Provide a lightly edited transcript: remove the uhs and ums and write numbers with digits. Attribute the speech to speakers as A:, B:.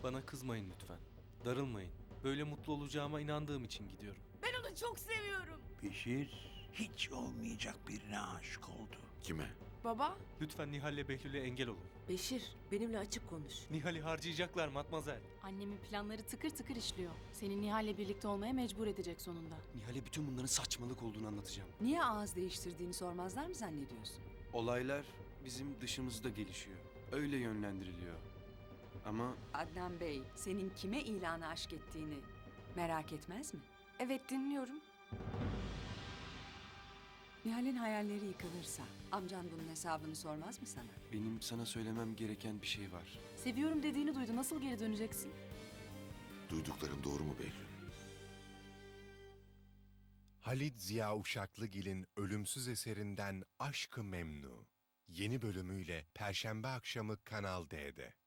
A: Bana kızmayın lütfen. Darılmayın. Böyle mutlu olacağıma inandığım için gidiyorum.
B: Ben onu çok seviyorum.
C: Beşir hiç olmayacak birine aşık oldu.
D: Kime?
B: Baba?
A: Lütfen Nihal'le Behlül'e engel olun.
E: Beşir, benimle açık konuş.
A: Nihal'i harcayacaklar matmazel.
F: Annemin planları tıkır tıkır işliyor. Seni Nihal'le birlikte olmaya mecbur edecek sonunda.
G: Nihal'e bütün bunların saçmalık olduğunu anlatacağım.
E: Niye ağız değiştirdiğini sormazlar mı zannediyorsun?
G: Olaylar bizim dışımızda gelişiyor. Öyle yönlendiriliyor. Ama
E: Adnan Bey, senin kime ilanı aşk ettiğini merak etmez mi?
B: Evet, dinliyorum.
E: Nihal'in hayalleri yıkılırsa amcan bunun hesabını sormaz mı sana?
G: benim sana söylemem gereken bir şey var.
F: Seviyorum dediğini duydu. Nasıl geri döneceksin?
D: Duyduklarım doğru mu Behlül?
H: Halit Ziya Uşaklıgil'in ölümsüz eserinden Aşk-ı Memnu. Yeni bölümüyle Perşembe akşamı Kanal D'de.